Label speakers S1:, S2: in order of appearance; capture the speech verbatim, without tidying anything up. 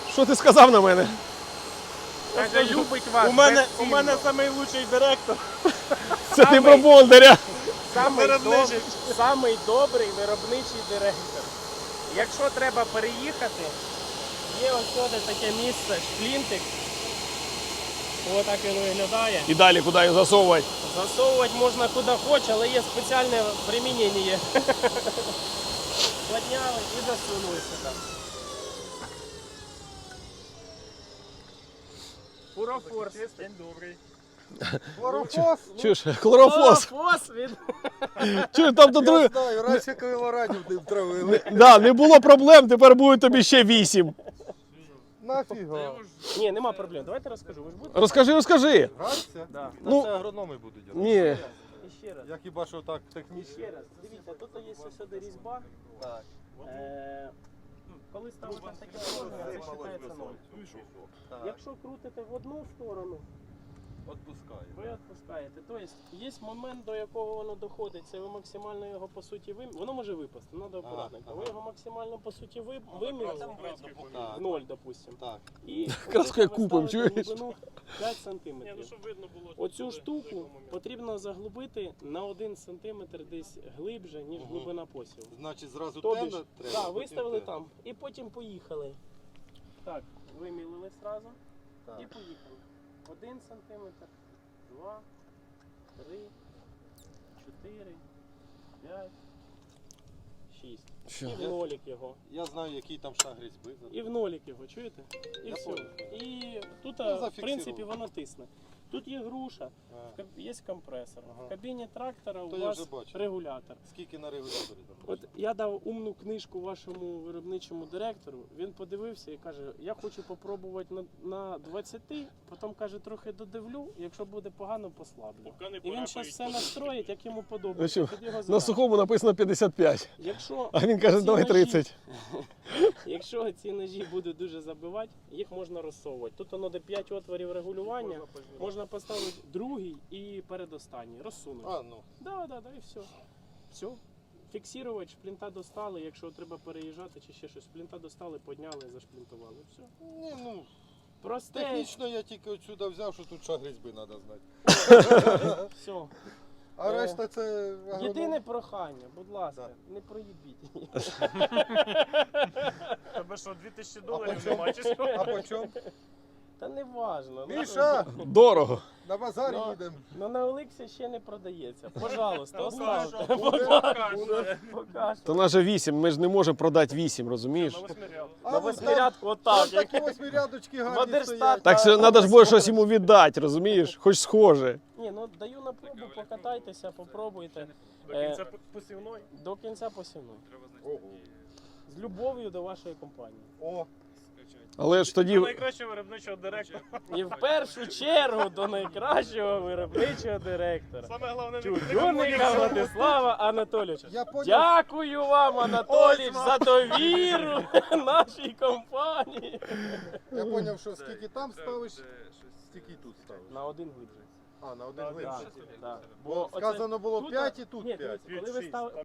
S1: Що ти сказав на мене?
S2: Каже, любить вас.
S3: У мене, у
S2: безцінно.
S3: мене найкращий директор.
S1: Це ти
S2: Самий-
S1: про Бондаря.
S2: Самий,
S3: Виробничий.
S2: доб... Самий добрий виробничий директор. Якщо треба переїхати, є ось сюди таке місце, шплінтик. Ось так він виглядає.
S1: І далі куди їх засовувати?
S2: Засовувати можна куди хоче, але є спеціальне примінення. Подняли і засунули сюди. Фурофорс.
S3: День добрий.
S4: Хлорофос?
S1: Чуєш, хлорофос.
S2: Фурофос від...
S1: Чуєш, там то
S4: Я
S1: друге.
S4: знаю, раніше колорадів не втравили.
S1: Да, не було проблем, тепер буде тобі ще вісім.
S4: Нафіга?
S2: Ні, нема проблем. Давайте розкажу. Ви ж будете?
S1: Розкажи, розкажи.
S4: Граться?
S2: Да.
S1: Ну,
S4: Це агрономи будуть робити.
S1: ні.
S2: І ще раз.
S4: Я хіба що так
S2: І
S4: технічно.
S2: ще раз. Дивіться, тут є сюди різьба.
S4: Так.
S2: Е, Коли ставите таке положення, це вважається ноль.
S4: Так.
S2: Якщо крутите в одну сторону,
S4: Отпускаю.
S2: ви відпускаєте. Тобто є момент, до якого воно доходить, це ви максимально його по суті вим... Воно може випасти, треба акуратненько. Ви його максимально по суті ви... вимірили
S4: Так.
S2: в ноль, допустимо.
S4: Так.
S2: І
S1: Краску як
S2: ви
S1: купимо,
S2: ставите
S1: чуєш?
S2: глибину п'ять сантиметрів. Оцю штуку потрібно заглибити на один сантиметр десь глибше, ніж
S4: Мгм.
S2: глибина посіву.
S4: Значить зразу
S2: Тобі
S4: темно
S2: ж,
S4: треба.
S2: так,
S4: потім
S2: виставили
S4: темно.
S2: там і потім поїхали. Так, вимілили одразу
S4: Так.
S2: і поїхали. Один сантиметр, два, три, чотири, п'ять, шість.
S1: Що?
S2: І в нолік його.
S4: Я знаю, який там шаг різьби.
S2: І в нолік його, чуєте? І
S4: Я
S2: все.
S4: понял.
S2: І тут,
S4: Ну,
S2: а, в
S4: зафіксировали.
S2: принципі, воно тисне. Тут є груша,
S4: А.
S2: в каб- є компресор.
S4: Ага.
S2: В кабіні трактора у
S4: То я
S2: вас
S4: вже бачу.
S2: регулятор.
S4: Скільки на регуляторі там?
S2: От я дав умну книжку вашому виробничому директору, він подивився і каже, я хочу попробувати на, на двадцяти, потім каже, трохи додивлю, якщо буде погано, послаблю. І він зараз все настроїть, як йому подобається.
S1: Значить,
S2: Під його
S1: На
S2: задачу.
S1: сухому написано п'ятдесят п'ять.
S2: Якщо
S1: А він каже,
S2: ці
S1: давай
S2: ножі-
S1: тридцять.
S2: Якщо ці ножі будуть дуже забивати, їх можна розсовувати. Тут воно де п'ять отворів регулювання, можна поставити другий і передостанній, розсунути.
S4: А, ну.
S2: Да, да, да, і все. Все. Фіксувати, шплінта достали, якщо треба переїжджати чи ще щось. Шплінта достали, підняли, зашплінтували. Все.
S4: Ні, ну.
S2: Просте.
S4: Технічно я тільки отсюди взяв, що тут шаг різьби треба знати.
S2: Все.
S4: А
S2: Е,
S4: решта це агроном.
S2: Єдине прохання, будь ласка,
S4: Да.
S2: не проїбіть.
S3: Тебе що, дві тисячі
S4: А
S3: доларів
S4: по чому?
S3: нема чи що?
S4: А по чому?
S2: Та не важно.
S4: Міша,
S1: Дорого.
S4: на базарі
S2: Ну,
S4: їдемо.
S2: Ну на Олексі ще не продається. Пожалуйста,
S3: Покажу,
S2: оставте.
S3: покажу.
S2: Покажу.
S1: То наже вісім, ми ж не можемо продати вісім, розумієш?
S3: На восьмиряд.
S4: А
S2: На
S4: вон
S2: восьмирядку
S4: там-
S2: отак.
S4: там такі восьмирядочки гарні
S2: Модерстат.
S4: стоять.
S1: Так що треба ж буде щось йому віддати, розумієш? Хоч схоже.
S2: Ні, ну даю на пробу, покатайтеся, попробуйте.
S3: До
S2: Е,
S3: кінця посівної.
S2: До кінця посівної.
S4: Ого.
S2: З любов'ю до вашої компанії.
S4: О,
S1: Але ж тоді.
S3: До найкращого виробничого директора.
S2: І в першу чергу до найкращого виробничого директора.
S3: Саме головне,
S2: Чудюника Владислава Анатолійовича.
S4: я поняв.
S2: Дякую вам, Анатолійович,
S3: Ось
S2: за довіру нашій компанії.
S4: Я поняв, що скільки там ставиш, стільки і тут ставиш.
S2: На один глибше.
S4: А, на один
S2: Так,
S4: глибше.
S2: так.
S4: Бо
S2: оце-
S4: сказано було
S2: тут-
S4: п'ять і тут
S2: Ні,
S4: п'ять.
S2: дивіться, коли ви ставите.